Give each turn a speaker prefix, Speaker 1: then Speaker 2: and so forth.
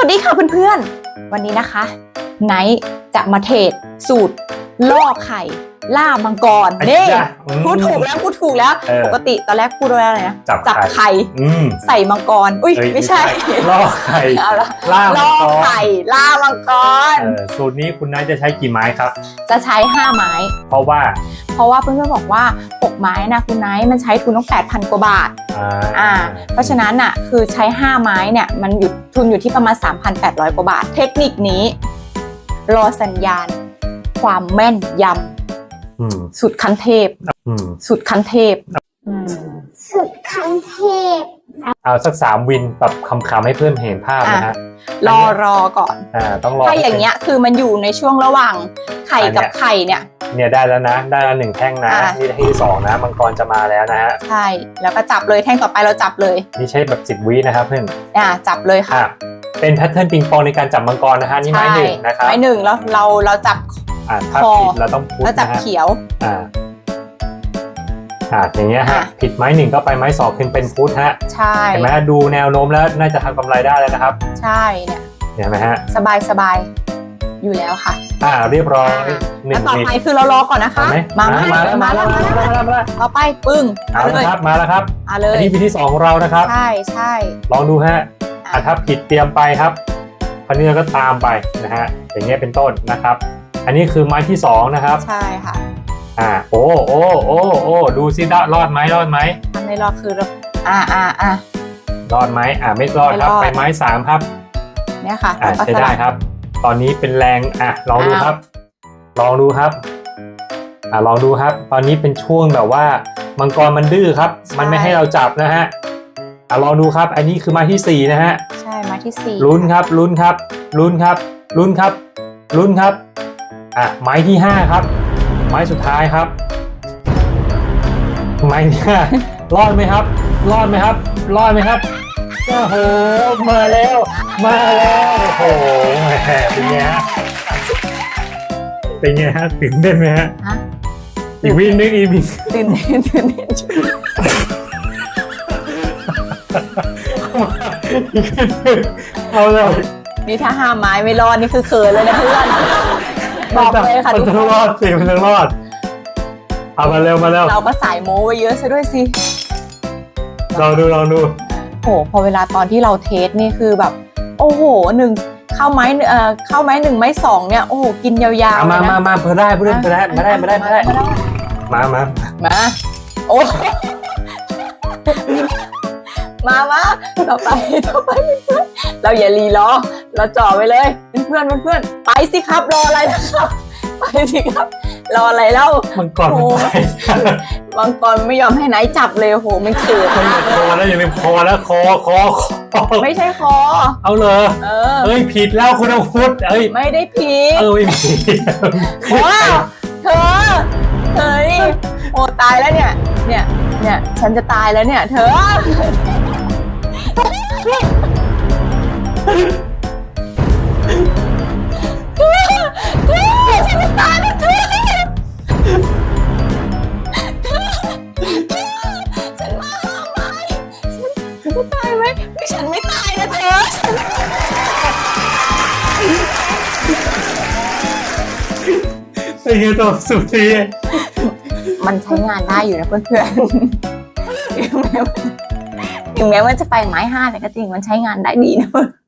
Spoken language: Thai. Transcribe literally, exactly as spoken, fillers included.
Speaker 1: วัสดีค่ะเพื่อนๆวันนี้นะคะไนท์จะมาเทรดสูตรล่อไข่ล่ามังกรนี่พูดถูกแล้วพูดถูกแล้วปกติตอนแรกพูดว่าอะไรนะจับไข่ใส่มังกรอุ้ยไม่ใช่
Speaker 2: ล่อไข่ล่ามังกร
Speaker 1: ไข่ล่ามังกร
Speaker 2: สูตรนี้คุณไนท์จะใช้กี่ไม้ครับ
Speaker 1: จะใช้ห้าไม้
Speaker 2: เพราะว่า
Speaker 1: เพราะว่าเพื่อนๆบอกว่าหกไม้นะคุณไนท์มันใช้ทุนต้องแปดพันกว่าบาทอ่าเพราะฉะนั้นอ่ะคือใช้ห้าไม้เนี่ยมันหยุดทุนอยู่ที่ประมาณ สามพันแปดร้อย กว่าบาทเทคนิคนี้รอสัญญาณความแม่นยำสุดคันเทพสุดคันเทพ
Speaker 3: สุดคันเทพ
Speaker 2: เอาสักสามวินแบบคำๆให้เพื่อนเห็นภาพนะฮะ
Speaker 1: รอรอก่อน
Speaker 2: อ่าต้องรอ
Speaker 1: ถ้าอย่างเงี้ยคือมันอยู่ในช่วงระหว่างไข่กับไข่เนี่ย
Speaker 2: เนี่ยได้แล้วนะได้แล้วหนึ่งแท่งนะนี่แท่งที่สองนะมังกรจะมาแล้วนะฮะ
Speaker 1: ใช่แล้วก็จับเลยแท่งต่อไปเราจับเลย
Speaker 2: นี่ใช้แบบสิบวินะครับเพื่อน
Speaker 1: อ่าจับเลยค่ะ
Speaker 2: เป็นแพทเทิร์นปิงปองในการจับมังกรนะฮะนี่ไม้หนึ่งนะครับ
Speaker 1: ไม้หนึ่งแล้วเราเราจับ
Speaker 2: อ่าถ้าผิดเราต้องพุทธ
Speaker 1: แล้วจับเขียว
Speaker 2: อ่าอ่าอย่างเงี้ยฮะผิดไม้หนึ่งก็ไปไม้สองขึ้นเป็นพุทธฮะ
Speaker 1: ใช่
Speaker 2: เห็นไหมดูแนวโน้มแล้วน่าจะทำกำไรได้แล้วนะครับ
Speaker 1: ใช่เนี่ย
Speaker 2: เห็นไหมฮะ
Speaker 1: สบายสบายอยู่แล้วค่ะ
Speaker 2: อ่าเรียบร้อย
Speaker 1: หนึ่งต่อไปคือเรารอก่อนนะคะ
Speaker 2: มามาแล้วมาแล้วมาแล้วมาแล้ว
Speaker 1: ต่อไปปึ้ง
Speaker 2: เอาเลยครับมาแล้วครับ
Speaker 1: เอาเลย
Speaker 2: อันนี้วิธีสองของเรานะครับ
Speaker 1: ใช่ใช่
Speaker 2: ลองดูฮะอ่าถ้าผิดเตรียมไปครับคราวนี้เราก็ตามไปนะฮะอย่างเงี้ยเป็นต้นนะครับอันนี้คือไม้ที่สองนะครับ
Speaker 1: ใช่ค่ะ
Speaker 2: อ่าโอ้โอ้โอ้โอ้ดูซิได้รอดไหมรอดไหม
Speaker 1: ไม่รอดคืออ่าอ่าอ่
Speaker 2: ารอดไหมอ่าไม่รอดครับไปไม้สามครับ
Speaker 1: เนี่ยค่ะ
Speaker 2: อ่าใช้ได้ครับตอนนี้เป็นแรงอ่ะลองดูครับลองดูครับอ่าลองดูครับตอนนี้เป็นช่วงแบบว่ามังกรมันดื้อครับมันไม่ให้เราจับนะฮะอ่าลองดูครับอันนี้คือไม้ที่สี่นะฮะ
Speaker 1: ใช่ไม้ที่สี่
Speaker 2: ลุ้นครับลุ้นครับลุ้นครับลุ้นครับลุ้นครับอ่ะไม้ที่ห้าครับไม้สุดท้ายครับไม้เนี่ยรอดไหมครับรอดไหมครับรอดไหมครับโอ้โหมาแล้วมาแล้วโอ้โหแหมเป็นไงฮะเป็นไงฮะตื่นเต้นไหมฮะอีกวิ่งนึงอีกวิ่ง
Speaker 1: ตื่นเต้นตื่นเต้น
Speaker 2: เอาเลย
Speaker 1: นี่ถ้าห้าไม้ไม่รอดนี่คือเขินเลยนะเพื่อนบอกเลยค่ะ
Speaker 2: ทุกคนมันต้องรอดสิมันต้องรอดเอามาเร็วมาเร็ว
Speaker 1: เราก็สายโม้ไว้เยอะซะด้วยสิ
Speaker 2: ลองดูลองดู
Speaker 1: โหพอเวลาตอนที่เราเทสนี่คือแบบโอ้โหหนึ่งเข้าไม้เอ่อเข้าไม้หนึ่งไม้สองเนี่ยโอ้โหกินยาว
Speaker 2: ๆมามามาเพื่อได้เพื่อได้เพื่อได้มาได้มาได้มาได้มามา
Speaker 1: มาโอ้มามาต่อไปต่อไปเพื่อนเราอย่ารีรอเราจ่อไปเลยเพื่อนเพื่อนไปสิครับรออะไรนะครับไปสิครับรออะไรเล่า
Speaker 2: มังกร
Speaker 1: มังกรไม่ยอมให้ไหนจับเลยโหมันเกิด
Speaker 2: มันคอแล้วยังเป็นคอแล้วคอคอคอ
Speaker 1: ไม่ใช่คอ
Speaker 2: เอาเลยเออเอ้ยผิดแล้วคุณอาวุธเอ้ย
Speaker 1: ไม่ได้ผิด
Speaker 2: เออไม่ผิด
Speaker 1: ว้าเธอเฮ้ยโอ้ตายแล้วเนี่ยเนี่ยเนี่ยฉันจะตายแล้วเนี่ยเธอฉันจะตายแล้วเธอฉันมาห้าไม้ฉันจะตายไหมไม่ฉันไม่ตายนะเธอ
Speaker 2: เป็นไงตัวสุดที
Speaker 1: มันใช้งานได้อยู่นะเพื่อนๆถึงแม้ว่าจะไปไม้ห้าแต่ก็จริงมันใช้งานได้ดีนะเพื่อน